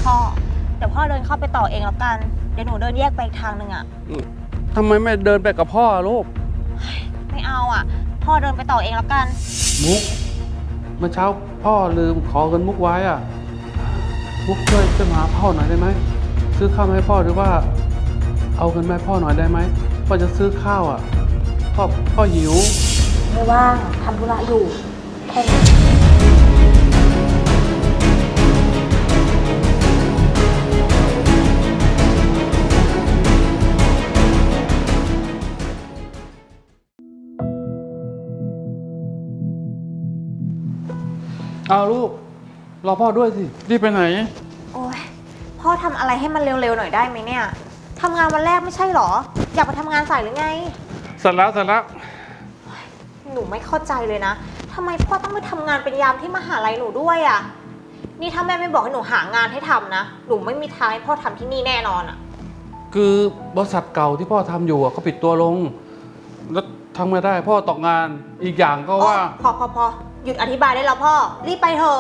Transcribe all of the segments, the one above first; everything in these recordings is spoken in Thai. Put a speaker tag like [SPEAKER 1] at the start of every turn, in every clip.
[SPEAKER 1] พ่อเดี๋ยวพ่อเดินเข้าไปต่อเองแล้วกันเดี๋ยวหนูเดินแยกไปอีกทางหนึ่งอะ
[SPEAKER 2] ทำไมไม่เดินไปกับพ่อลูก
[SPEAKER 1] ไม่เอาอะพ่อเดินไปต่อเองแล้วกัน
[SPEAKER 2] มุกเมื่อเช้าพ่อลืมขอเงินมุกไว้อ่ะมุกช่วยมาหาพ่อหน่อยได้ไหมซื้อข้าวมาให้พ่อหรือว่าเอาเงินมาให้พ่อหน่อยได้ไหมพ่อจะซื้อข้าวอ่ะพ่อหิว
[SPEAKER 1] ไม่ว่างทำธุระอยู่แค่นี้
[SPEAKER 2] เอาลูกรอพ่อด้วยสิรีบไปไหน
[SPEAKER 1] โอ้ยพ่อทำอะไรให้มันเร็วๆหน่อยได้ไหมเนี่ยทำงานวันแรกไม่ใช่หรออยากไปทำงานสายหรือไง
[SPEAKER 2] เสร็จแล้ว
[SPEAKER 1] หนูไม่เข้าใจเลยนะทำไมพ่อต้องไปทำงานเป็นยามที่มหาลัยหนูด้วยอ่ะนี่ถ้าแม่ไม่บอกให้หนูหางานให้ทำนะหนูไม่มีทางให้พ่อทำที่นี่แน่นอนอ่ะ
[SPEAKER 2] คือบริษัทเก่าที่พ่อทำอยู่เขาปิดตัวลงแล้วทำไม่ได้พ่อตกงานอีกอย่างก็ว่า
[SPEAKER 1] พอหยุดอธิบายได้แล้วพ่อรีบไปเถอะ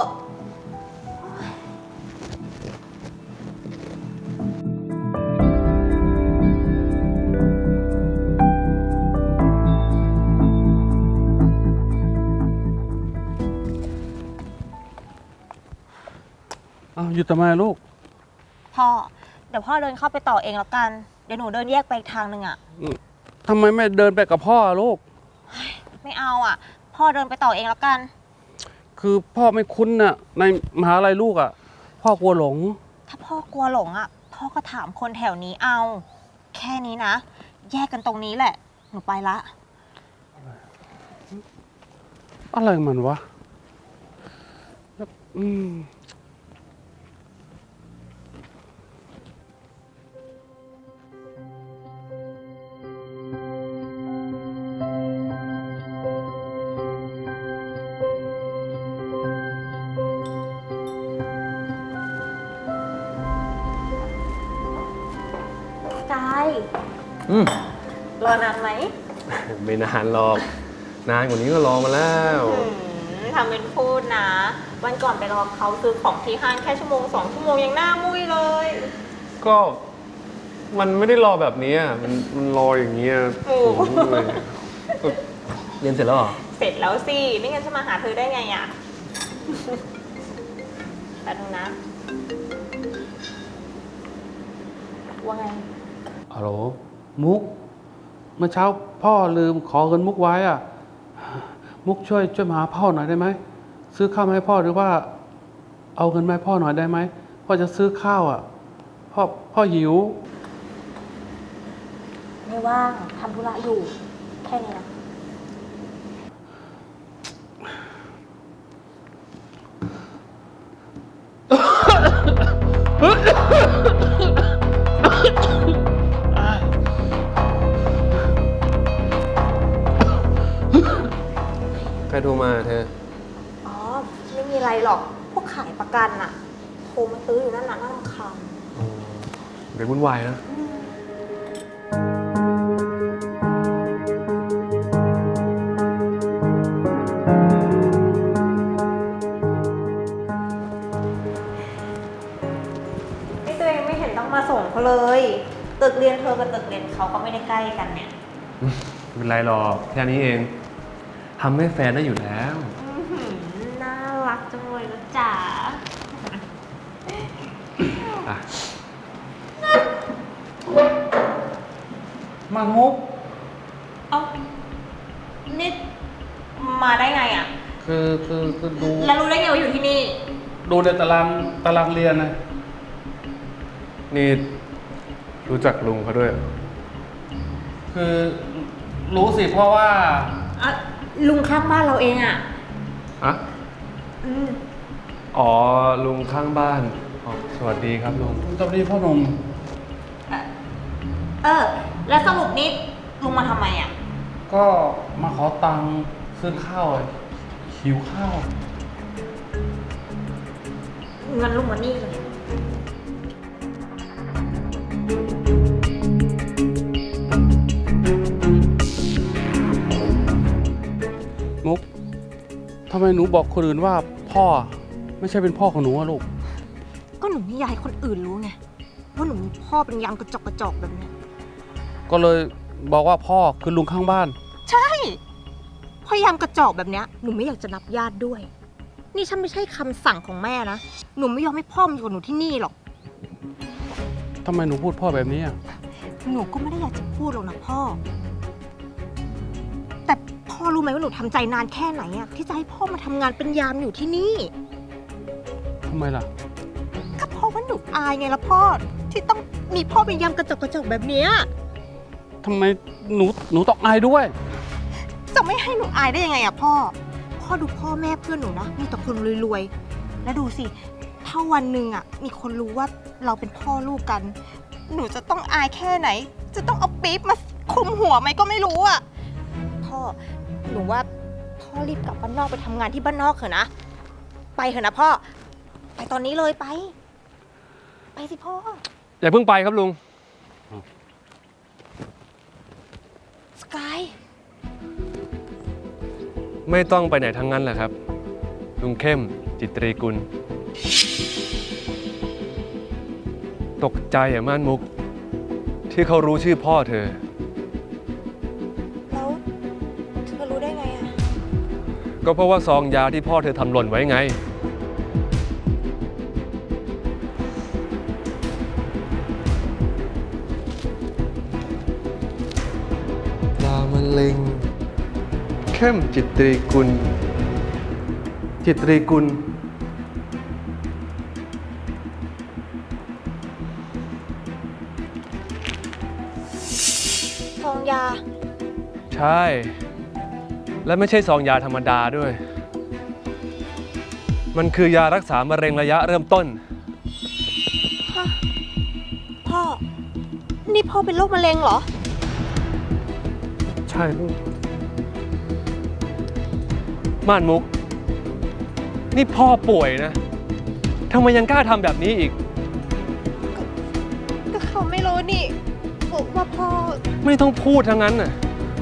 [SPEAKER 2] หยุดทำไมลูก
[SPEAKER 1] พ่อเดี๋ยวพ่อเดินเข้าไปต่อเองแล้วกันเดี๋ยวหนูเดินแยกไปอีกทางหนึ่งอะ
[SPEAKER 2] ทำไมไม่เดินไปกับพ่อลูก
[SPEAKER 1] ไม่เอาอะพ่อเดินไปต่อเองแล้วกัน
[SPEAKER 2] คือพ่อไม่คุ้นน่ะในมหาลัยลูกอะพ่อกลัวหลง
[SPEAKER 1] ถ้าพ่อกลัวหลงอะพ่อก็ถามคนแถวนี้เอาแค่นี้นะแยกกันตรงนี้แหละหนูไปละ
[SPEAKER 2] อะไรมันวะ
[SPEAKER 1] กายรอนานไหม
[SPEAKER 3] ไม่นานหรอกนานกว่านี้ก็รอมาแล้ว
[SPEAKER 1] ทำเป็นพูดนะวันก่อนไปรอเขาซื้อของที่ห้างแค่1-2 ชั่วโมงยังหน้ามุ้ยเลย
[SPEAKER 3] ก็มันไม่ได้รอแบบนี้มันรออย่างเงี้ยเลยเรียนเสร็จแล้วเหรอ
[SPEAKER 1] เสร็จแล้วสิไม่งั้นจะมาหาเธอได้ไงอ่ะแต่ดูนะว่าไง
[SPEAKER 2] ฮัลโหลมุกเมื่อเช้าพ่อลืมขอเงินมุกไว้อ่ะมุกช่วยมาหาพ่อหน่อยได้ไหมซื้อข้าวมาให้พ่อหรือว่าเอาเงินมาให้พ่อหน่อยได้ไหมพ่อจะซื้อข้าวอ่ะพ่อหิว
[SPEAKER 1] ไม่ว่างทำธุระอยู่แค่นี้นะ
[SPEAKER 3] ใครโทรมาเธอ
[SPEAKER 1] อ๋อไม่มีอะไรหรอกพวกขายประกันอะโทรมาซื้ออยู่นั่นน่ะน่ารำคาญ
[SPEAKER 3] เป็นวุ่นวายนะ
[SPEAKER 1] นี่ตัวเองไม่เห็นต้องมาส่งเขาเลยตึกเรียนเธอกับตึกเรียนเขาก็ไม่ได้ใกล้กันเนี่ย
[SPEAKER 3] ไม่เป็นไรหรอกแค่นี้เองทำให้แฟนได้อยู่แล้ว
[SPEAKER 1] น่ารักจังเลยนะจ๋า
[SPEAKER 2] มันมุก
[SPEAKER 1] เอานี่มาได้ไงอ่ะ
[SPEAKER 2] คือดู
[SPEAKER 1] แล้วรู้ได้ไงว่าอยู่ที่นี่
[SPEAKER 2] ดูในตารางเรียนนะ
[SPEAKER 3] นี่รู้จักลุงเขาด้วย
[SPEAKER 2] คือรู้สิเพราะว่า
[SPEAKER 1] ลุงข้างบ้านเราเองอ่ะ
[SPEAKER 3] อ๋อลุงข้างบ้านสวัสดีครับลุง
[SPEAKER 2] สวัสดีพ่อหนุ่ม
[SPEAKER 1] แล้วสรุปนี้ลุงมาทำไมอ่ะ
[SPEAKER 2] ก็มาขอตังค์ซื้อข้าวหิวข้าว
[SPEAKER 1] เงินลุงมานี่เลย
[SPEAKER 2] มุกทำไมหนูบอกคนอื่นว่าพ่อไม่ใช่เป็นพ่อของหนูอะลูก
[SPEAKER 1] ก็หนูไม่ไม่อยากให้คนอื่นรู้ไงว่าหนูมีพ่อเป็นยามกระจอกแบบเนี้ย
[SPEAKER 2] ก็เลยบอกว่าพ่อคือลุงข้างบ้าน
[SPEAKER 1] ใช่พ่อยามกระจอกแบบเนี้ยหนูไม่อยากจะนับญาติด้วย นี่ฉันไม่ใช่คำสั่งของแม่นะหนูไม่ยอมให้พ่อมาอยู่กับหนูที่นี่หรอก
[SPEAKER 2] ทำไมหนูพูดพ่อแบบนี้อ่ะ
[SPEAKER 1] หนูก็ไม่ได้อยากจะพูดหรอกนะพ่อ แต่พ่อรู้ไหมว่าหนูทำใจนานแค่ไหนอะที่จะให้พ่อมาทำงานเป็นยามอยู่ที่นี่
[SPEAKER 2] ทำไมล่ะ
[SPEAKER 1] ก็เพราะว่าหนูอายไงล่ะพ่อที่ต้องมีพ่อเป็นยามกระจอกแบบเนี้ย
[SPEAKER 2] ทำไมหนูต้องอายด้วย
[SPEAKER 1] จะไม่ให้หนูอายได้ยังไงอะพ่อดูพ่อแม่เพื่อนหนูนะมีแต่คนรวยๆแล้วดูสิถ้าวันหนึ่งอะมีคนรู้ว่าเราเป็นพ่อลูกกัน หนูจะต้องอายแค่ไหน จะต้องเอาปี๊บมาคลุมหัวไหมก็ไม่รู้อะพ่อหนูว่าพ่อรีบกลับบ้านนอกไปทำงานที่บ้านนอกเถอะนะไปเถอะนะพ่อไปตอนนี้เลยไปสิพ่อ
[SPEAKER 3] อย่าเพิ่งไปครับลุง
[SPEAKER 1] สกาย
[SPEAKER 3] ไม่ต้องไปไหนทั้งนั้นแหละครับ ลุงเข้มจิตรีกุล ตกใจม่านมุก ที่เขารู้ชื่อพ่อเธอ
[SPEAKER 1] แล้วเธอรู้ได้ไงอะ
[SPEAKER 3] ก็เพราะว่าซองยาที่พ่อเธอทำหล่นไว้ไง ยามะเร็งเข้มจิตรีกุล จิตรีกุล
[SPEAKER 1] ซองยา
[SPEAKER 3] ใช่ และไม่ใช่ซองยาธรรมดาด้วย มันคือยารักษามะเร็งระยะเริ่มต้น
[SPEAKER 1] พ่อ นี่พ่อเป็นโรคมะเร็งเหรอ
[SPEAKER 3] ใช่ลูกม่านมุก นี่พ่อป่วยนะทำไมยังกล้าทำแบบนี้อีก
[SPEAKER 1] ก็เขาไม่รู้นี่ว่าพ่อ
[SPEAKER 3] ไม่ต้องพูดทั้งนั้นน่ะ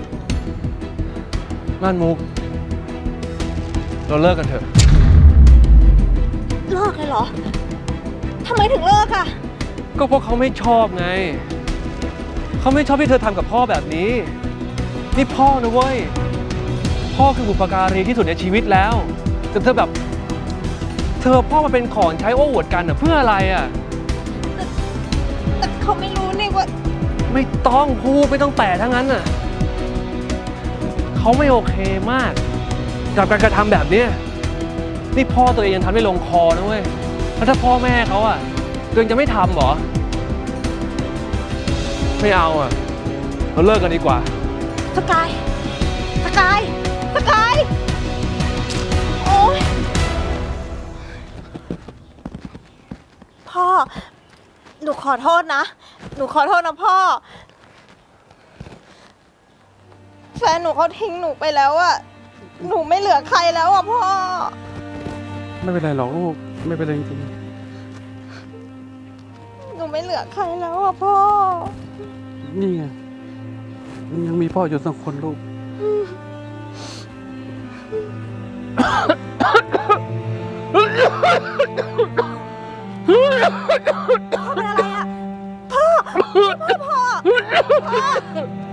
[SPEAKER 3] ม่านมุก เราเลิกกันเถอะ
[SPEAKER 1] เลิกเลยเหรอ ทำไมถึงเลิกอะ
[SPEAKER 3] ก็เพราะเขาไม่ชอบไง เขาไม่ชอบที่เธอทำกับพ่อแบบนี้ นี่พ่อนะเว้ย พ่อคือบุปการีที่สุดในชีวิตแล้ว แต่เธอแบบ เธอพ่อมาเป็นของใช้โอ้อวดกันอ่ะเพื่ออะไรอ่ะ
[SPEAKER 1] แต่เขาไม่รู้นี่ว่า
[SPEAKER 3] ไม่ต้องพูดไม่ต้องแต่ทั้งนั้นน่ะ เขาไม่โอเคมาก กับการกระทำแบบเนี้ยนี่พ่อตัวเองยังทำไม่ลงคอนะเว้ย แล้วถ้าพ่อแม่เขาอ่ะตัวเองจะไม่ทำเหรอ ไม่เอาอ่ะ เราเลิกกันดีกว่า
[SPEAKER 1] สกาย สกาย สกาย โอ๊ย พ่อ หนูขอโทษนะ หนูขอโทษนะพ่อ แฟนหนูเขาทิ้งหนูไปแล้วอะหนูไม่เหลือใครแล้วอะพ่อ
[SPEAKER 2] ไม่เป็นไรหรอกลูก ไม่เป็นไรจริง
[SPEAKER 1] หนูไม่เหลือใครแล้วอะพ่อ
[SPEAKER 2] ๆนี่ไงยังมีพ่ออยู่สักคนลูก
[SPEAKER 1] พ่อเป็นอะไรอะพ่อ พ่อ